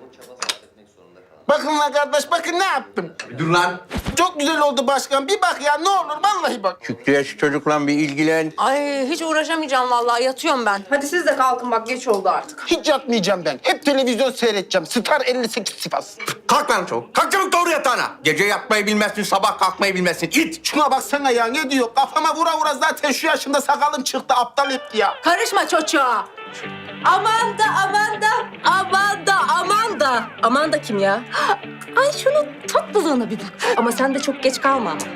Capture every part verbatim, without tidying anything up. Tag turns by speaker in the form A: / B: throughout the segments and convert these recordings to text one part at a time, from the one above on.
A: çaba sarf etmek zorunda kalan.
B: Bakın lan kardeş, bakın ne yaptım.
C: Dur lan.
B: Çok güzel oldu başkan. Bir bak ya, ne olur vallahi bak.
C: Şükrü'ye şu çocukla bir ilgilen.
D: Ay hiç uğraşamayacağım vallahi, yatıyorum ben. Hadi siz de kalkın bak, geç oldu artık.
B: Hiç yatmayacağım ben. Hep televizyon seyredeceğim. Star elli sekiz Sivas.
C: Kalk lan çabuk. Kalk çabuk doğru yatağına. Gece yatmayı bilmezsin, sabah kalkmayı bilmezsin. İt.
B: Şuna baksana ya, ne diyor? Kafama vura vura zaten şu yaşımda sakalım çıktı. Aptal etti ya.
D: Karışma çocuğa. Aman da aman da aman da aman da. Aman da kim ya? Ay şunun tatlılığına bir bak. Ama sen de çok geç kalma ama.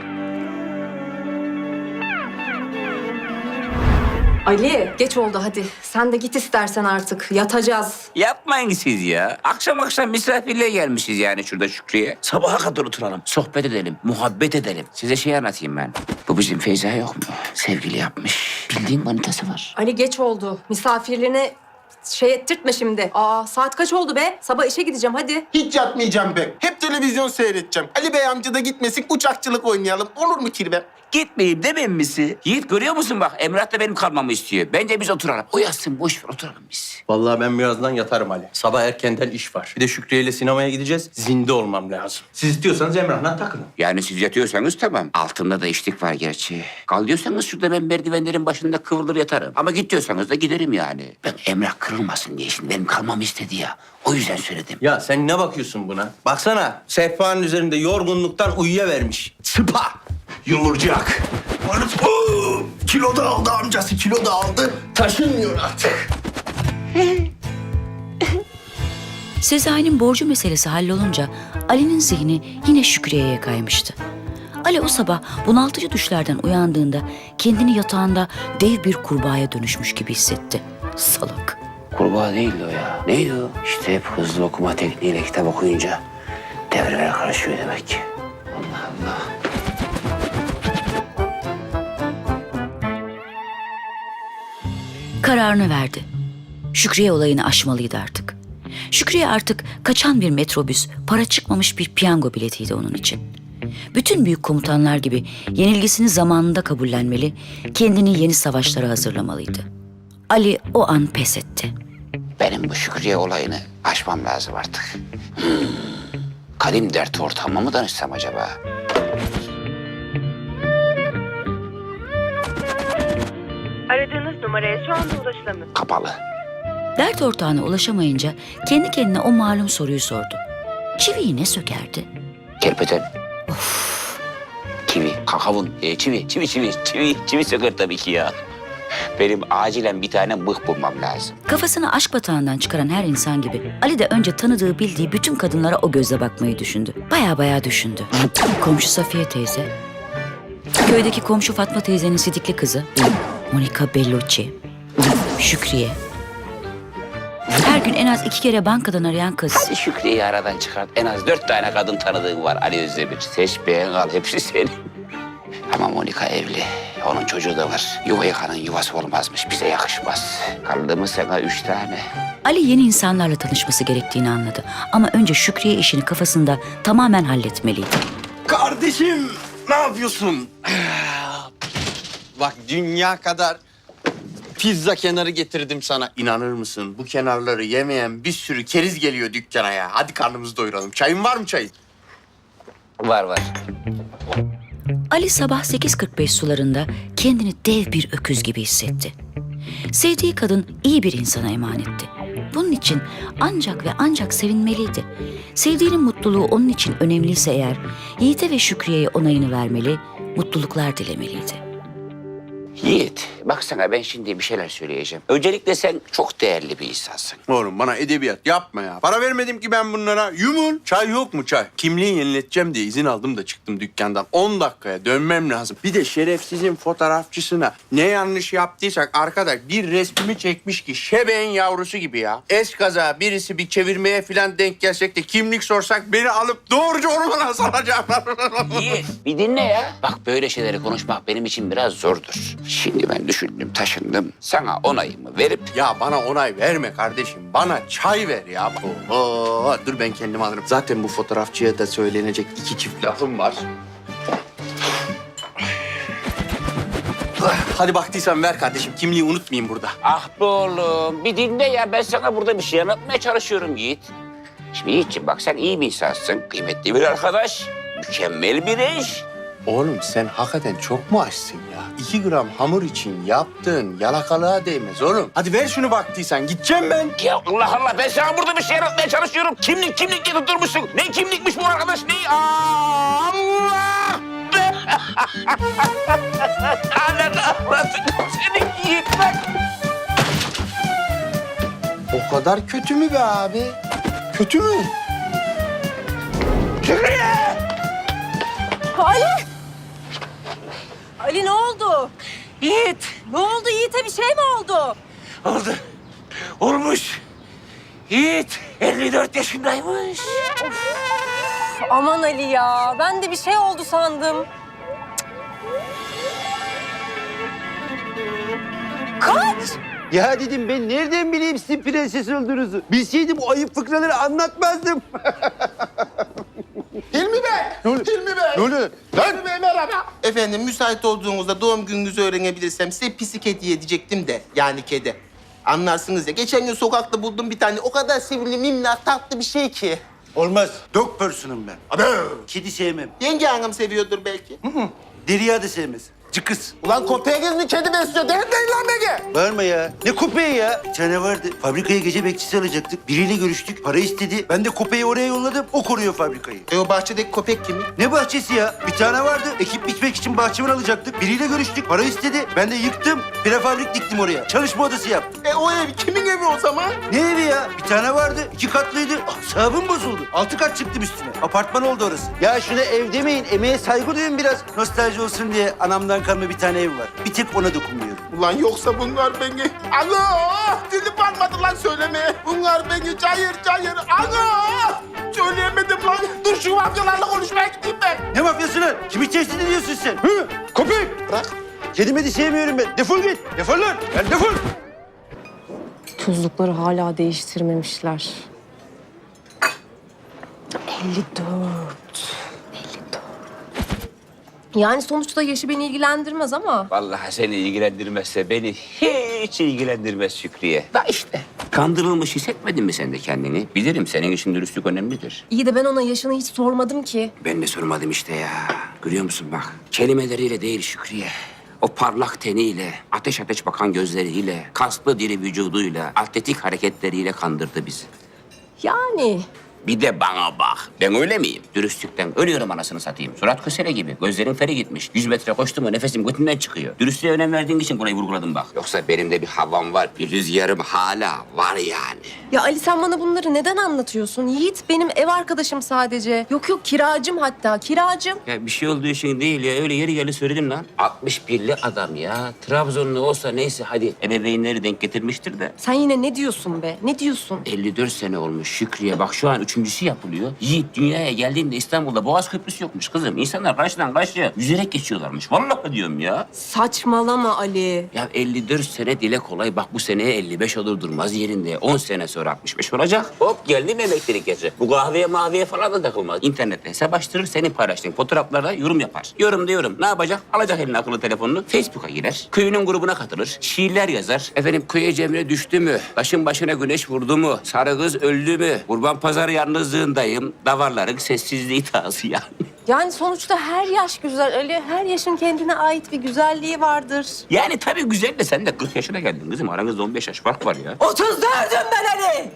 D: Ali geç oldu hadi. Sen de git istersen artık. Yatacağız.
E: Yapmayın siz ya. Akşam akşam misafirliğe gelmişiz yani şurada Şükrü'ye. Sabaha kadar oturalım, sohbet edelim, muhabbet edelim. Size şey anlatayım ben. Bu bizim Feyza yok mu? Sevgili yapmış. Bildiğin manitası var.
D: Ali geç oldu. Misafirliğine şey ettirtme şimdi. Aa saat kaç oldu be? Sabah işe gideceğim hadi.
B: Hiç yatmayacağım ben. Hep televizyon seyredeceğim. Ali Bey amca da gitmesin, uçakçılık oynayalım. Olur mu kirve?
E: Gitmeyeyim demem misin? Yiğit görüyor musun bak Emrah da benim kalmamı istiyor. Bence biz oturalım. O yatsın boş ver oturalım biz.
C: Vallahi ben birazdan yatarım Ali. Sabah erkenden iş var. Bir de Şükrü ile sinemaya gideceğiz. Zinde olmam lazım. Siz istiyorsanız Emrah'la takılın.
E: Yani siz yatıyorsanız tamam. Altımda da içlik var gerçi. Kal diyorsanız şurada ben merdivenlerin başında kıvrılır yatarım. Ama git diyorsanız da giderim yani. Ben Emrah kırılmasın diye şimdi benim kalmamı istedi ya. O yüzden söyledim.
C: Ya sen ne bakıyorsun buna? Baksana sehpanın üzerinde yorgunluktan uyuyavermiş. Sıpa! Yumurcak. Oo, kilo da aldı amcası, kilo da aldı. Taşınmıyor artık.
F: Sezai'nin borcu meselesi hallolunca Ali'nin zihni yine Şükriye'ye kaymıştı. Ali o sabah bunaltıcı düşlerden uyandığında kendini yatağında dev bir kurbağaya dönüşmüş gibi hissetti. Salak.
E: Kurbağa değildi o ya. Neydi o? İşte hep hızlı okuma tekniğiyle kitap okuyunca devreler karışıyor demek ki. Allah Allah.
F: Kararını verdi. Şükriye olayını aşmalıydı artık. Şükriye artık kaçan bir metrobüs, para çıkmamış bir piyango biletiydi onun için. Bütün büyük komutanlar gibi yenilgisini zamanında kabullenmeli, kendini yeni savaşlara hazırlamalıydı. Ali o an pes etti.
E: Benim bu Şükriye olayını aşmam lazım artık. Hmm. Kadim dert ortağıma mı danışsam acaba?
G: Aradığınız numaraya şu anda ulaşılamıyor.
E: Kapalı.
F: Dert ortağına ulaşamayınca kendi kendine o malum soruyu sordu. Çiviyi ne sökerdi?
E: Kerpeten. Çivi, kakavun, e, çivi, çivi, çivi, çivi, çivi söker tabii ki ya. Benim acilen bir tane mıh bulmam lazım.
F: Kafasını aşk batağından çıkaran her insan gibi Ali de önce tanıdığı bildiği bütün kadınlara o gözle bakmayı düşündü. Baya baya düşündü. Komşu Safiye teyze, köydeki komşu Fatma teyzenin sidikli kızı Monica Bellucci, Şükriye. Her gün en az iki kere bankadan arayan kız.
E: Hadi Şükriye'yi aradan çıkart. En az dört tane kadın tanıdığın var Ali Özdemir. Seç beğen al hepsi senin. Ama Monika evli. Onun çocuğu da var. Yuva yıkanın yuvası olmazmış. Bize yakışmaz. Kaldı mı sana üç tane?
F: Ali yeni insanlarla tanışması gerektiğini anladı. Ama önce Şükriye işini kafasında tamamen halletmeliydi.
C: Kardeşim ne yapıyorsun? Bak dünya kadar pizza kenarı getirdim sana. İnanır mısın? Bu kenarları yemeyen bir sürü keriz geliyor dükkana ya. Hadi karnımızı doyuralım. Çayın var mı çayın?
E: Var var.
F: Ali sabah sekiz kırk beş sularında kendini dev bir öküz gibi hissetti. Sevdiği kadın iyi bir insana emanetti. Bunun için ancak ve ancak sevinmeliydi. Sevdiğinin mutluluğu onun için önemliyse eğer, Yiğit'e ve Şükriye'ye onayını vermeli, mutluluklar dilemeliydi.
E: Yiğit, bak sana ben şimdi bir şeyler söyleyeceğim. Öncelikle sen çok değerli bir insansın.
C: Oğlum bana edebiyat yapma ya. Para vermedim ki ben bunlara. Yumul. Çay yok mu çay? Kimliği yenileteceğim diye izin aldım da çıktım dükkandan. On dakikaya dönmem lazım. Bir de şerefsizin fotoğrafçısına ne yanlış yaptıysak arkadaş bir resmimi çekmiş ki şebeğin yavrusu gibi ya. Eskaza birisi bir çevirmeye falan denk gelsek de kimlik sorsak beni alıp doğruca ormana salacaklar.
E: Yiğit, bir dinle ya. Bak böyle şeyleri konuşmak benim için biraz zordur. Şimdi ben düşündüm, taşındım. Sana onayımı verip...
C: Ya bana onay verme kardeşim. Bana çay ver ya. Oho, dur ben kendim alırım. Zaten bu fotoğrafçıya da söylenecek iki çift lafım var. Hadi baktıysan ver kardeşim. Kimliği unutmayayım burada.
E: Ah be oğlum, bir dinle ya. Ben sana burada bir şey anlatmaya çalışıyorum Yiğit. Şimdi Yiğit'ciğim bak sen iyi bir insansın. Kıymetli bir arkadaş. Mükemmel bir eş.
C: Oğlum sen hakikaten çok mu açsın ya? İki gram hamur için yaptığın yalakalığa değmez oğlum. Hadi ver şunu baktıysan. Gideceğim ben.
E: Ya Allah Allah ben sana burada bir şey anlatmaya çalışıyorum. Kimlik kimlik diye tutturmuşsun. Ne kimlikmiş bu arkadaş ne? Aa, Allah! Ananı avradını seni Yiğit bak.
C: O kadar kötü mü be abi? Kötü mü?
E: Şükriye!
D: Ali! Ali ne oldu?
E: Yiğit!
D: Ne oldu Yiğit'e bir şey mi oldu?
E: Oldu. Olmuş. Yiğit elli dört yaşındaymış.
D: Aman Ali ya ben de bir şey oldu sandım. Kaç!
A: Ya dedim ben nereden bileyim sizin prenses olduğunuzu? Bilseydim bu ayıp fıkraları anlatmazdım.
B: Hilmi Bey! Hilmi Bey!
A: Ne oluyor?
B: Hilmi Bey merhaba. Efendim müsait olduğunuzda doğum gününüzü öğrenebilirsem size pisik hediye edecektim de. Yani kedi. Anlarsınız ya. Geçen gün sokakta buldum bir tane. O kadar sevimli, minnak, tatlı bir şey ki.
A: Olmaz. Dog person'ım ben.
B: Abi.
A: Kedi sevmem.
B: Yenge hanım seviyordur belki.
A: Derya da sevmez. Cıkız.
B: Ulan köpeğiniz mi kedi besliyor? Deli değil lan Ege.
A: Bağırma ya. Ne köpeği ya? Bir tane vardı. Fabrikaya gece bekçisi alacaktık. Biriyle görüştük. Para istedi. Ben de köpeği oraya yolladım. O koruyor fabrikayı.
B: E o bahçedeki köpek kimin?
A: Ne bahçesi ya? Bir tane vardı. Ekip biçmek için bahçıvan alacaktık. Biriyle görüştük. Para istedi. Ben de yıktım. Prefabrik diktim oraya. Çalışma odası yaptım.
B: E o ev kimin evi o zaman?
A: Ne evi ya? Bir tane vardı. İki katlıydı. Asabım bozuldu. Altı kat çıktım üstüne. Apartman oldu orası. Ya şuna ev demeyin. Emeğe saygı duyun biraz. Nostalji olsun diye anamdan kalma bir tane ev var. Bir tek ona dokunmuyorum.
B: Ulan yoksa bunlar beni... Alo! Dilim varmadı lan söylemeye. Bunlar beni cayır cayır... Alo! Söyleyemedim lan. Dur şu mafyalarla konuşmaya gideyim ben.
A: Ne mafyası lan? Kimi tehdit ediyorsun sen? Hı? Köpek!
B: Bırak.
A: Kedime de sevmiyorum ben. Defol git. Defol lan. Gel defol.
D: Tuzlukları hala değiştirmemişler. elli dört. elli dört. Yani sonuçta yaşı beni ilgilendirmez ama...
E: Vallahi seni ilgilendirmezse beni hiç ilgilendirmez Şükriye. Da işte. Kandırılmış hissetmedin mi sen de kendini? Bilirim senin için dürüstlük önemlidir.
D: İyi de ben ona yaşını hiç sormadım ki.
E: Ben de sormadım işte ya. Görüyor musun bak. Kelimeleriyle değil Şükriye. O parlak teniyle, ateş ateş bakan gözleriyle, kaslı diri vücuduyla, atletik hareketleriyle kandırdı bizi.
D: Yani...
E: Bir de bana bak. Ben öyle miyim? Dürüstlükten ölüyorum anasını satayım. Surat kösele gibi. Gözlerin feri gitmiş. Yüz metre koştum mu nefesim götümden çıkıyor. Dürüstlüğe önem verdiğin için burayı vurguladım bak. Yoksa benim de bir havam var. Bir rüzgarım hala var yani.
D: Ya Ali sen bana bunları neden anlatıyorsun? Yiğit benim ev arkadaşım sadece. Yok yok kiracım hatta kiracım.
E: Ya bir şey olduğu için değil ya. Öyle yeri geldi söyledim lan. altmış birli adam ya. Trabzonlu olsa neyse hadi. Ebeveynleri denk getirmiştir de.
D: Sen yine ne diyorsun be? Ne diyorsun?
E: elli dört sene olmuş Şükriye. Bak şu an üçüncüsü yapılıyor. Yiğit dünyaya geldiğinde İstanbul'da Boğaz Köprüsü yokmuş kızım. İnsanlar karşıdan karşıya yüzerek geçiyorlarmış. Vallahi diyorum ya.
D: Saçmalama Ali.
E: Ya elli dört sene dile kolay. Bak bu seneye elli beş olur durmaz yerinde. on sene sonra altmış beş olacak. Hop geldi mi elektrik gece. Bu kahveye maviye falan da takılmaz. İnternette hesap açtırır, senin paylaştığın fotoğraflarda yorum yapar. Yorum diyorum. Ne yapacak? Alacak eline akıllı telefonunu. Facebook'a girer. Köyünün grubuna katılır. Şiirler yazar. Efendim köye cemre düştü mü? Taşın başına güneş vurdu mu? Sarı kız öldü mü? Kurban pazarı yalnızlığındayım. Davarların sessizliği tazı yani.
D: Yani sonuçta her yaş güzel Ali. Her yaşın kendine ait bir güzelliği vardır.
E: Yani tabii güzel de sen de kırk yaşına geldin kızım. Aranızda on beş yaş fark var ya.
D: otuz dördüm ben Ali.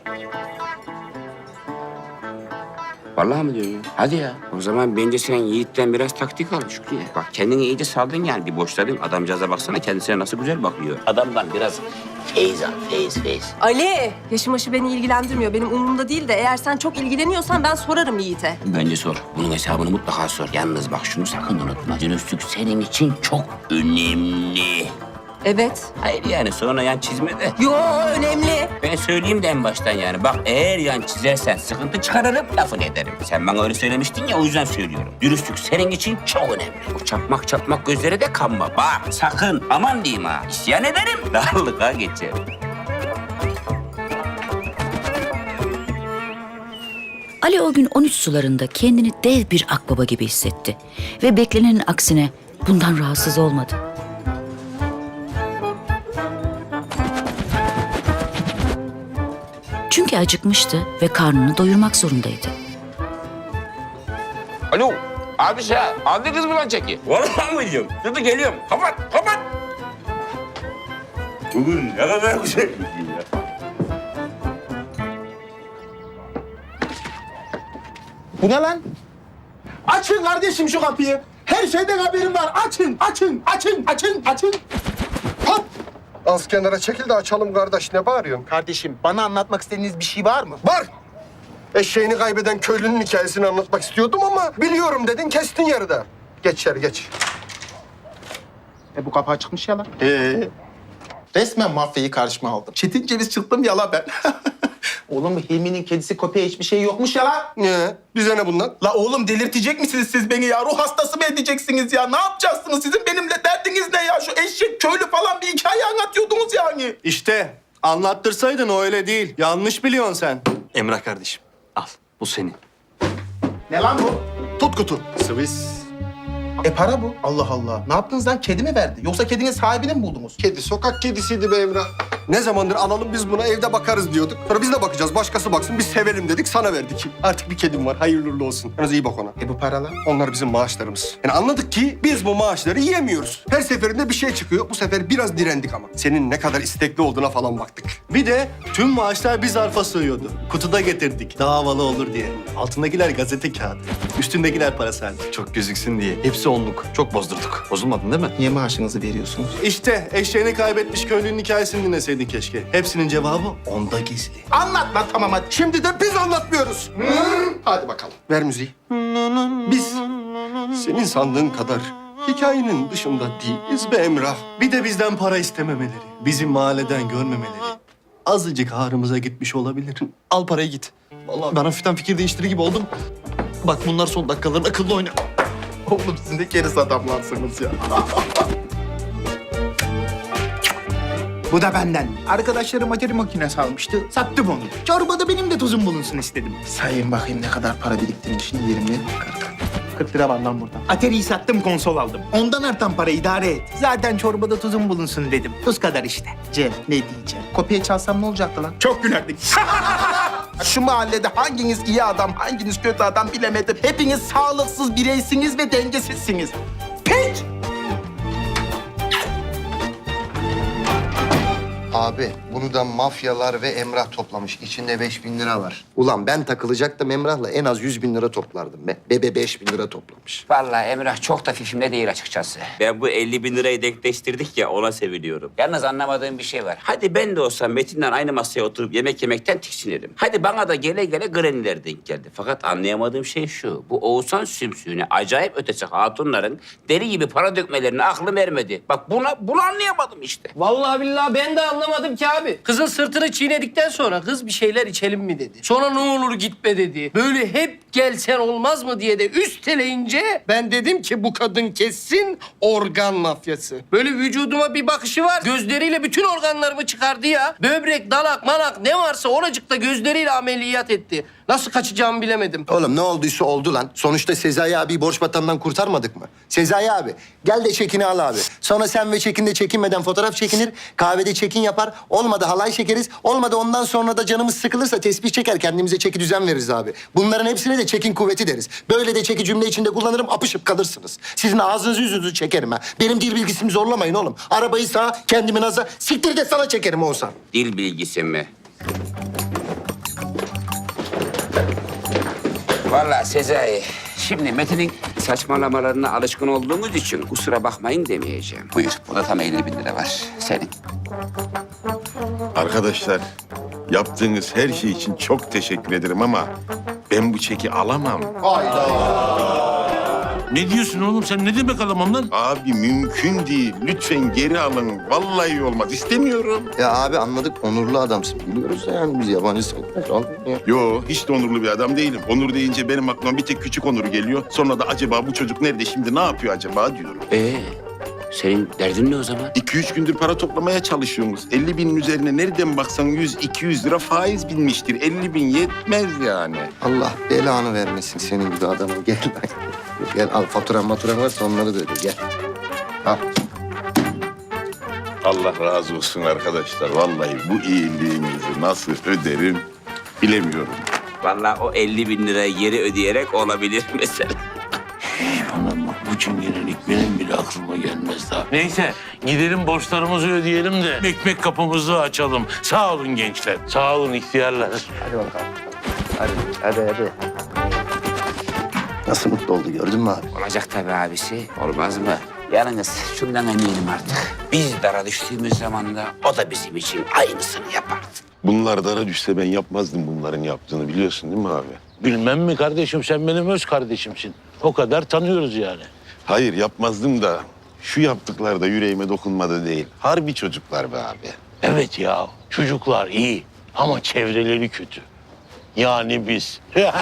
E: Vallahi mi diyorsun ya? Hadi ya. O zaman bence sen Yiğit'ten biraz taktik al Şükrü'ye. Bak kendini iyice saldın yani. Bir boşladın. Adamcağıza baksana kendisine nasıl güzel bakıyor. Adamdan biraz feyiz al. Feyiz, feyiz.
D: Ali, yaşım aşı beni ilgilendirmiyor. Benim umurumda değil de eğer sen çok ilgileniyorsan ben sorarım Yiğit'e.
E: Bence sor. Bunun hesabını mutlaka sor. Yalnız bak şunu sakın unutma. Dürüstlük senin için çok önemli.
D: Evet.
E: Hayır yani sonra yan çizme de.
D: Yo önemli.
E: Ben söyleyeyim de en baştan yani. Bak eğer yan çizersen sıkıntı çıkarırım, lafını ederim. Sen bana öyle söylemiştin ya o yüzden söylüyorum. Dürüstlük senin için çok önemli. O çapmak çapmak gözlere de kanma. Bak sakın aman diyeyim ha. İsyan ederim. Darlığa geçerim.
F: Ali o gün on üç sularında kendini dev bir akbaba gibi hissetti. Ve beklenenin aksine bundan rahatsız olmadı. Çünkü acıkmıştı ve karnını doyurmak zorundaydı.
E: Alo. Abi sen aldı kız mı lan çeki? Vallahi mı diyorum? Dur geliyorum. Kapat, kapat. Bugün ne kadar güzel bir gün ya.
B: Bu ne lan? Açın kardeşim şu kapıyı. Her şeyden haberim var. Açın, açın, açın, açın, açın. Hop!
H: Az kenara çekil de açalım kardeş. Ne bağırıyorsun?
B: Kardeşim, bana anlatmak istediğiniz bir şey var mı?
H: Var. Eşeğini kaybeden köylünün hikayesini anlatmak istiyordum ama biliyorum dedin, kestin yarıda. Geç içeri, geç.
B: E bu kapı açıkmış ya lan. Ee? Resmen mafyayı karşıma aldım. Çetin ceviz çıktım ya la ben. Oğlum Hilmi'nin kedisi köpeği hiçbir şey yokmuş ya la.
H: Niye? Bize ne bundan?
B: La oğlum delirtecek misiniz siz beni ya? Ruh hastası mı edeceksiniz ya? Ne yapacaksınız? Sizin benimle derdiniz ne ya? Şu eşek köylü falan bir hikaye anlatıyordunuz yani.
I: İşte anlattırsaydın o öyle değil. Yanlış biliyorsun sen. Emrah kardeşim al bu senin.
B: Ne lan bu?
H: Tut kutu.
I: Swiss.
B: E para bu. Allah Allah. Ne yaptınız lan? Kedi mi verdi? Yoksa kedinin sahibini mi buldunuz?
H: Kedi, sokak kedisiydi be Emrah. Ne zamandır alalım biz buna, evde bakarız diyorduk. Sonra biz de bakacağız, başkası baksın, biz sevelim dedik, sana verdik. Artık bir kedim var, hayırlı uğurlu olsun. Yalnız iyi bak ona.
B: E bu paralar?
H: Onlar bizim maaşlarımız. Yani anladık ki biz bu maaşları yiyemiyoruz. Her seferinde bir şey çıkıyor. Bu sefer biraz direndik ama. Senin ne kadar istekli olduğuna falan baktık.
I: Bir de tüm maaşlar bir zarfa sığıyordu. Kutuda getirdik daha havalı olur diye. Altındakiler gazete kağıdı. Üstündekiler parasal. Çok gözüksün diye. Hepsi onluk. Çok bozdurduk. Bozulmadın değil mi?
B: Niye maaşınızı veriyorsunuz?
I: İşte eşeğini kaybetmiş köylünün hikayesini dinleseydin keşke. Hepsinin cevabı onda gizli.
B: Anlat lan tamam hadi.
H: Şimdi de biz anlatmıyoruz. Hadi bakalım. Ver müziği. Biz senin sandığın kadar hikayenin dışında değiliz be Emrah.
I: Bir de bizden para istememeleri, bizim mahalleden görmemeleri. Azıcık ağrımıza gitmiş olabilir.
J: Al parayı git. Vallahi ben hafiften fikir değiştirir gibi oldum. Bak bunlar son dakikaların akıllı oyna.
B: Oğlum siz ne keriz adamlarsınız ya.
K: Bu da benden. Arkadaşlarım atari makinesi almıştı. Sattım onu. Çorbada benim de tuzum bulunsun istedim.
B: Sayın bakayım ne kadar para biriktirmişsin. yirmi, kırk. kırk lira var lan burada.
K: Atari'yi sattım, konsol aldım. Ondan artan para idare et. Zaten çorbada tuzum bulunsun dedim. Tuz kadar işte.
B: Cem ne diyeceğim? Kopya çalsam ne olacaktı lan?
K: Çok gülerdik.
B: Şu mahallede hanginiz iyi adam, hanginiz kötü adam bilemedim. Hepiniz sağlıksız bireysiniz ve dengesizsiniz. Pek!
L: Abi bunu da mafyalar ve Emrah toplamış. İçinde beş bin lira var. Ulan ben takılacaktım Emrah'la en az yüz bin lira toplardım be. Bebe beş bin lira toplamış.
E: Vallahi Emrah çok da fifimde değil açıkçası. Ben bu elli bin lirayı denkleştirdik ya ona seviniyorum. Yalnız anlamadığım bir şey var. Hadi ben de olsam Metin'le aynı masaya oturup yemek yemekten tiksinirim. Hadi bana da gele gele greniler denk geldi. Fakat anlayamadığım şey şu. Bu Oğuzhan sümsüğüne acayip ötesi hatunların deri gibi para dökmelerine aklım ermedi. Bak buna bunu anlayamadım işte.
M: Vallahi billahi ben de anlamadım ki abi. Kızın sırtını çiğnedikten sonra kız bir şeyler içelim mi dedi. Sonra ne olur gitme dedi. Böyle hep gelsen olmaz mı diye de üsteleyince ben dedim ki bu kadın kesin organ mafyası. Böyle vücuduma bir bakışı var. Gözleriyle bütün organlarımı çıkardı ya. Böbrek, dalak, manak ne varsa oracıkta gözleriyle ameliyat etti. Nasıl kaçacağımı bilemedim.
L: Oğlum ne olduysa oldu lan. Sonuçta Sezai abiyi borç batağından kurtarmadık mı? Sezai abi gel de çekini al abi. Sonra sen ve Çekin de çekinmeden fotoğraf çekinir. Kahvede çekin yapar. Olmadı halay çekeriz. Olmadı ondan sonra da canımız sıkılırsa tesbih çeker. Kendimize çeki düzen veririz abi. Bunların hepsine de çekin kuvveti deriz. Böyle de çeki cümle içinde kullanırım apışıp kalırsınız. Sizin ağzınızı yüzünüzü çekerim ha. Benim dil bilgisimi zorlamayın oğlum. Arabayı sağa kendimi naza siktir de sana çekerim Oğuzhan.
E: Dil bilgisi mi? Vallahi Sezai, şimdi Metin'in saçmalamalarına alışkın olduğumuz için kusura bakmayın demeyeceğim. Buyur, burada tam elli bin lira var. Senin.
N: Arkadaşlar, yaptığınız her şey için çok teşekkür ederim ama ben bu çeki alamam.
O: Ne diyorsun oğlum sen? Ne demek alamam lan?
N: Abi mümkün değil. Lütfen geri alın. Vallahi olmaz. İstemiyorum.
L: Ya abi anladık onurlu adamsın. Biliyoruz da yani biz yabancı sayılmaz. Al ya.
N: Yo, hiç de onurlu bir adam değilim. Onur deyince benim aklıma bir tek küçük Onur geliyor. Sonra da acaba bu çocuk nerede şimdi ne yapıyor acaba diyorum.
E: Ee, senin derdin ne o zaman?
N: İki üç gündür para toplamaya çalışıyoruz. elli binin üzerine nereden baksan yüz iki yüz lira faiz binmiştir. elli bin yetmez yani.
L: Allah belanı vermesin senin gibi adama. Gel lan. Gel al faturan maturan varsa onları da öde gel. Al.
N: Allah razı olsun arkadaşlar. Vallahi bu iyiliğinizi nasıl öderim Bilemiyorum.
E: Vallahi o elli bin lirayı geri ödeyerek olabilir mesela.
O: Anam bak bu çingenelik benim bile aklıma gelmez daha. Neyse gidelim borçlarımızı ödeyelim de ekmek kapımızı açalım. Sağ olun gençler. Sağ olun ihtiyarlar.
L: Hadi bakalım. Hadi, hadi, hadi. Nasıl mutlu oldu gördün mü abi?
E: Olacak tabii abisi. Olmaz mı? Yalnız şundan eminim artık. Biz dara düştüğümüz zaman da o da bizim için aynısını yapardı.
N: Bunlar dara düşse ben yapmazdım bunların yaptığını biliyorsun değil mi abi?
O: Bilmem mi kardeşim, sen benim öz kardeşimsin. O kadar tanıyoruz yani.
N: Hayır yapmazdım da şu yaptıkları da yüreğime dokunmadı değil. Harbi çocuklar be abi.
O: Evet ya, çocuklar iyi ama çevreleri kötü. Yani biz.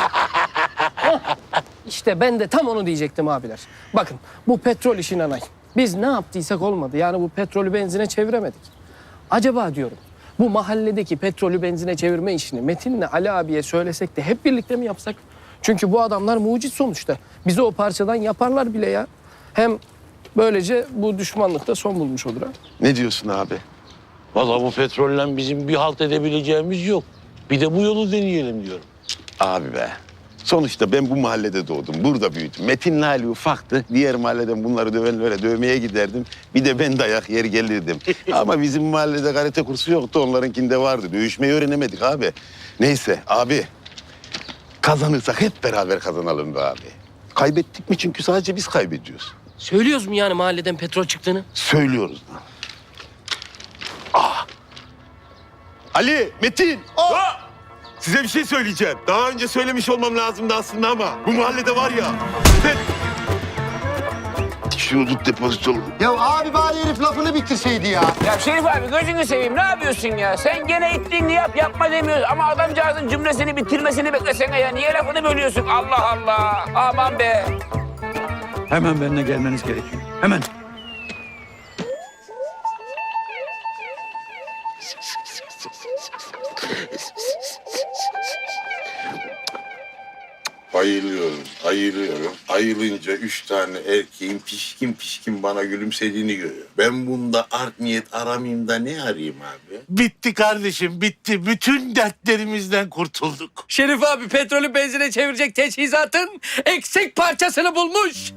M: İşte ben de tam onu diyecektim abiler. Bakın bu petrol işi nanay. Biz ne yaptıysak olmadı. Yani bu petrolü benzine çeviremedik. Acaba diyorum bu mahalledeki petrolü benzine çevirme işini Metin'le Ali abiye söylesek de hep birlikte mi yapsak? Çünkü bu adamlar mucit sonuçta. Bizi o parçadan yaparlar bile ya. Hem böylece bu düşmanlık da son bulmuş olur ha.
N: Ne diyorsun abi?
O: Vallahi bu petrolle bizim bir halt edebileceğimiz yok. Bir de bu yolu deneyelim diyorum.
N: Abi be. Sonuçta ben bu mahallede doğdum. Burada büyüdüm. Metin'le Ali ufaktı. Diğer mahalleden bunları dövenlere dövmeye giderdim. Bir de ben dayak yer gelirdim. Ama bizim mahallede karate kursu yoktu. Onlarınkinde vardı. Dövüşmeyi öğrenemedik abi. Neyse abi. Kazanırsak hep beraber kazanalım be abi. Kaybettik mi? Çünkü sadece biz kaybediyoruz.
M: Söylüyoruz mu yani mahalleden petrol çıktığını?
N: Söylüyoruz lan. Ah. Ali, Metin. Ah! Size bir şey söyleyeceğim. Daha önce söylemiş olmam lazımdı aslında ama bu mahallede var ya. Ben... Şunu tut depozitolu.
L: Ya abi bari herif lafını bitirseydi ya.
E: Ya Şerif abi gözünü seveyim ne yapıyorsun ya? Sen gene ittiğini yap yapma demiyoruz ama adamcağızın cümlesini bitirmesini beklesene ya. Niye lafını bölüyorsun? Allah Allah. Aman be.
K: Hemen benimle gelmeniz gerekiyor. Hemen.
N: Bayılıyorum, ayılıyorum. Ayılınca üç tane erkeğin pişkin pişkin bana gülümsediğini görüyorum. Ben bunda art niyet aramayayım da ne arayayım abi?
O: Bitti kardeşim, bitti. Bütün dertlerimizden kurtulduk.
M: Şerif abi petrolü benzine çevirecek teçhizatın eksik parçasını bulmuş.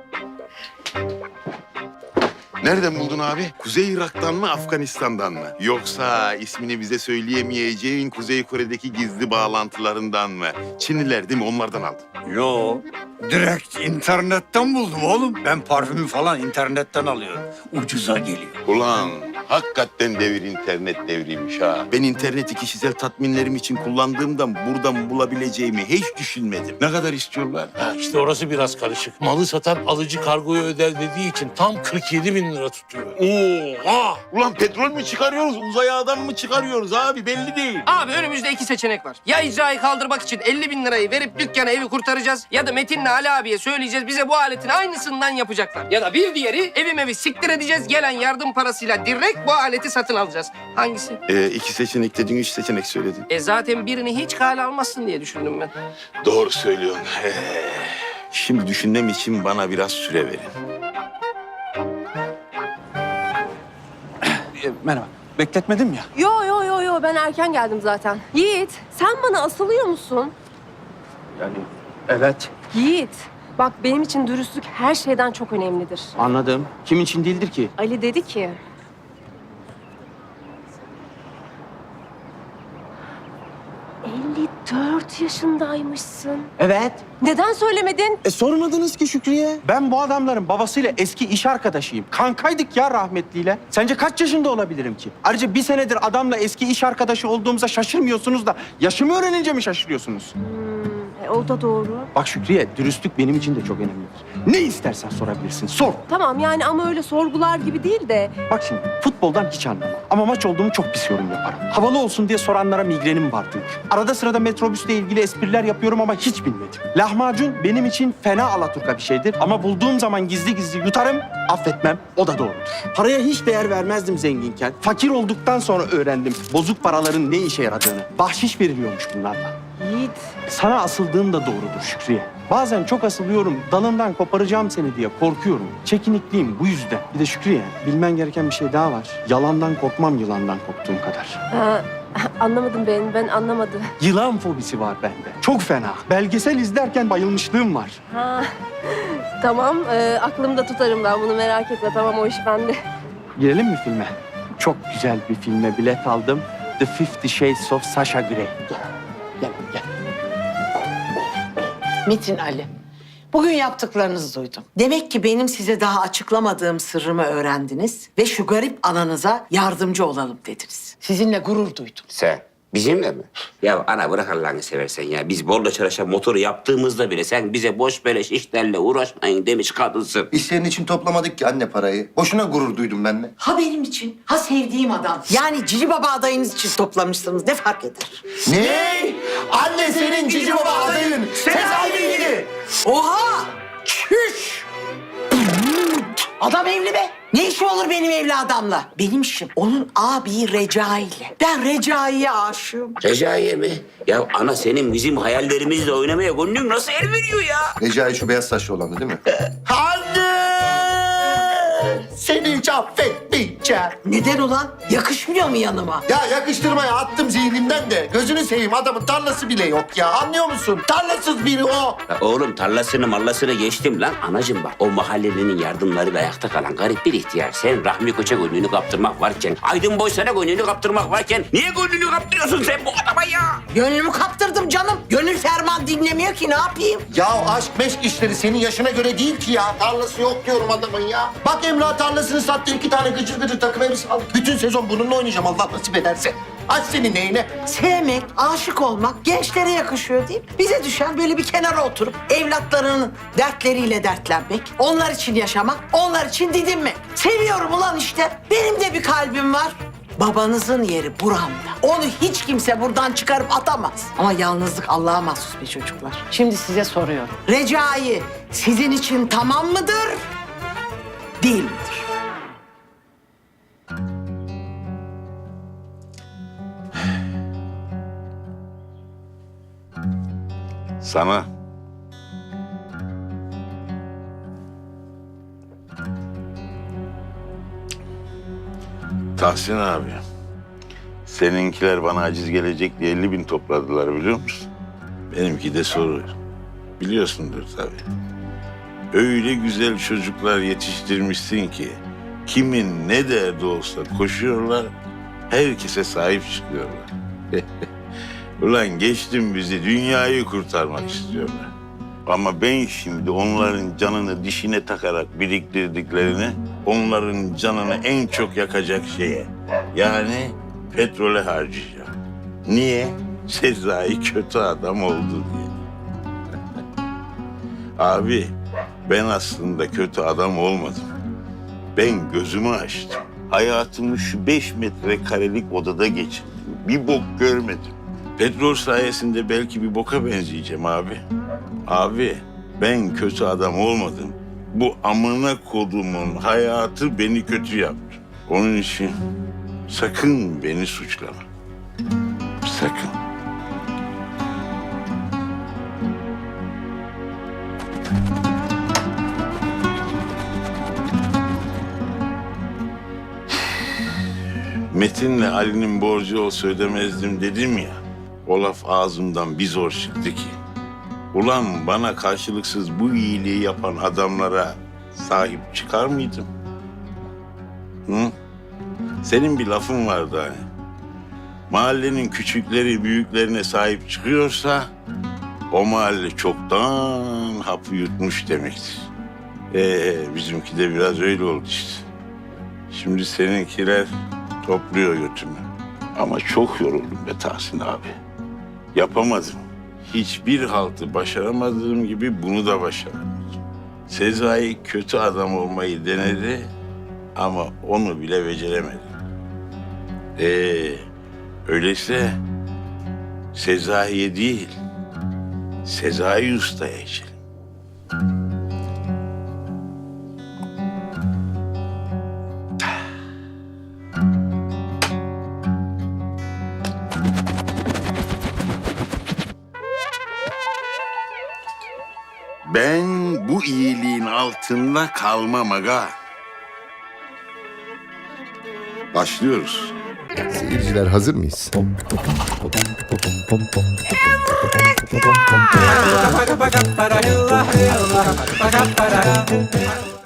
N: Nereden buldun abi? Kuzey Irak'tan mı, Afganistan'dan mı? Yoksa ismini bize söyleyemeyeceğin Kuzey Kore'deki gizli bağlantılarından mı? Çinliler değil mi? Onlardan aldın.
K: Yo, direkt internetten buldum oğlum. Ben parfümü falan internetten alıyorum. Ucuza geliyor.
N: Ulan hakikaten devir internet devriymiş ha. Ben interneti kişisel tatminlerim için kullandığımdan buradan bulabileceğimi hiç düşünmedim. Ne kadar istiyorlar?
O: Ha, işte orası biraz karışık. Malı satan alıcı kargoyu öder dediği için tam kırk yedi bin lira tutuyor.
N: Oha! Ulan petrol mü çıkarıyoruz, uzaya adam mı çıkarıyoruz abi? Belli değil.
M: Abi önümüzde iki seçenek var. Ya icrayı kaldırmak için elli bin lirayı verip dükkana evi kurtaracağız ya da Metin'le Ali abiye söyleyeceğiz bize bu aletin aynısından yapacaklar. Ya da bir diğeri evim evi siktir edeceğiz gelen yardım parasıyla direkt bu aleti satın alacağız. Hangisi?
N: Ee, iki seçenek dedin, üç seçenek söyledin.
M: E zaten birini hiç kale almazsın diye düşündüm ben.
N: Doğru söylüyorsun. Ee, şimdi düşünmem için bana biraz süre verin.
K: Merhaba. Bekletmedim ya.
D: Yo yo yo yo ben erken geldim zaten. Yiğit sen bana asılıyor musun?
A: Yani evet.
D: Yiğit bak benim için dürüstlük her şeyden çok önemlidir.
A: Anladım. Kim için değildir ki?
D: Ali dedi ki... elli dört yaşındaymışsın.
A: Evet.
D: Neden söylemedin?
A: E sormadınız ki Şükriye. Ben bu adamların babasıyla eski iş arkadaşıyım. Kankaydık ya rahmetliyle. Sence kaç yaşında olabilirim ki? Ayrıca bir senedir adamla eski iş arkadaşı olduğumuza şaşırmıyorsunuz da yaşımı öğrenince mi şaşırıyorsunuz?
D: Hmm, e, o da doğru.
A: Bak Şükriye, dürüstlük benim için de çok önemlidir. Ne istersen sorabilirsin, sor.
D: Tamam yani ama öyle sorgular gibi değil de...
A: Bak şimdi, futboldan hiç anlamam. Ama maç olduğumu çok pis yorum yaparım. Havalı olsun diye soranlara migrenim vardır. Arada sırada metrobüsle ilgili espriler yapıyorum ama hiç bilmedim. Lahmacun benim için fena alaturka bir şeydir. Ama bulduğum zaman gizli gizli yutarım, affetmem. O da doğrudur. Paraya hiç değer vermezdim zenginken. Fakir olduktan sonra öğrendim bozuk paraların ne işe yaradığını. Bahşiş veriliyormuş bunlarla.
D: Yiğit.
A: Sana asıldığım da doğrudur Şükriye. Bazen çok asılıyorum, dalından koparacağım seni diye korkuyorum. Çekinikliyim bu yüzden. Bir de Şükriye, bilmen gereken bir şey daha var. Yalandan korkmam yılandan korktuğum kadar.
D: Ha, Anlamadım ben, ben anlamadım.
J: Yılan fobisi var bende. Çok fena. Belgesel izlerken bayılmışlığım var.
D: Ha, tamam, e, aklımda tutarım ben bunu, merak etme. Tamam, o iş bende.
J: Girelim mi filme? Çok güzel bir filme bilet aldım. The Fifty Shades of Sasha Grey. Gel, gel, gel.
P: Metin Ali, bugün yaptıklarınızı duydum. Demek ki benim size daha açıklamadığım sırrımı öğrendiniz ve şu garip ananıza yardımcı olalım dediniz. Sizinle gurur duydum.
E: Sen bizimle mi? Ya ana bırak Allah'ını seversen ya. Biz borla çalışan motoru yaptığımızda bile sen bize boş beleş işlerle uğraşmayın demiş kadınsın.
L: Biz senin için toplamadık ki anne parayı. Boşuna gurur duydum ben de.
P: Ha benim için, ha sevdiğim adam. Yani Cici Baba adayınız için toplamışsınız. Ne fark eder?
L: Ne? Anne senin cici baba adayın. Sezai Bilgili.
P: Oha! Çüş! Adam evli be. Ne işi olur benim evli adamla? Benim işim onun abi Recai ile. Ben Recai'ye aşığım.
E: Recai'ye mi? Ya ana senin bizim hayallerimizle oynamaya gönlün nasıl el veriyor ya?
L: Recai şu beyaz saçlı olandı değil mi?
P: Anne! Seni hiç affetmeyeceğim. Neden ulan? Yakışmıyor mu yanıma?
L: Ya yakıştırmaya attım zihnimden de. Gözünü seveyim adamın tarlası bile yok ya. Anlıyor musun? Tarlasız biri o.
E: Ya oğlum tarlasını mallasını geçtim lan. Anacığım bak o mahallenin yardımları da ayakta kalan garip bir ihtiyar. Sen Rahmi Koç'a gönlünü kaptırmak varken, Aydın Boysan'a gönlünü kaptırmak varken niye gönlünü kaptırıyorsun sen bu adama ya?
P: Gönlümü kaptırdım canım. Gönül ferman dinlemiyor ki, ne yapayım?
L: Ya aşk meşk işleri senin yaşına göre değil ki ya. Tarlası yok diyorum adamın ya. Bak Emrah tarlasını sattı, iki tane gıcır gıcır takım elbise aldık. Bütün sezon bununla oynayacağım Allah nasip ederse. Aç senin neyine?
P: Sevmek, aşık olmak gençlere yakışıyor değil mi? Bize düşen böyle bir kenara oturup evlatlarının dertleriyle dertlenmek, onlar için yaşamak, onlar için didinmek. Seviyorum ulan işte. Benim de bir kalbim var. Babanızın yeri buramda. Onu hiç kimse buradan çıkarıp atamaz. Ama yalnızlık Allah'a mahsus be çocuklar. Şimdi size soruyorum. Recai sizin için tamam mıdır? Değil midir?
N: Sana Tahsin abi, seninkiler bana aciz gelecek diye elli bin topladılar biliyor musun? Benimki de soru. Biliyorsundur tabii. Öyle güzel çocuklar yetiştirmişsin ki kimin ne derdi olsa koşuyorlar, herkese sahip çıkıyorlar. Ulan geçtim bizi, dünyayı kurtarmak istiyorlar. Ama ben şimdi onların canını dişine takarak biriktirdiklerini, onların canını en çok yakacak şeye, yani petrole harcayacağım. Niye? Sezai kötü adam oldu diye. Abi, ben aslında kötü adam olmadım. Ben gözümü açtım. Hayatımı şu beş metrekarelik odada geçirdim. Bir bok görmedim. Petrol sayesinde belki bir boka benzeyeceğim abi. Abi, ben kötü adam olmadım. Bu amına kodumun hayatı beni kötü yaptı. Onun için sakın beni suçlama. Sakın. Metin'le Ali'nin borcu olsa ödemezdim dedim ya. O laf ağzımdan bir zor çıktı ki. Ulan bana karşılıksız bu iyiliği yapan adamlara sahip çıkar mıydım? Hı? Senin bir lafın vardı hani. Mahallenin küçükleri büyüklerine sahip çıkıyorsa o mahalle çoktan hapı yutmuş demektir. Ee, bizimki de biraz öyle oldu işte. Şimdi seninkiler topluyor götümü. Ama çok yoruldum be Tahsin abi. Yapamadım. Hiçbir haltı başaramadığım gibi bunu da başaramadım. Sezai kötü adam olmayı denedi ama onu bile beceremedi. Ee, öyleyse Sezai'ye değil, Sezai Usta'ya içelim. Ben bu iyiliğin altında kalmam aga. Başlıyoruz.
L: Seyirciler hazır mıyız?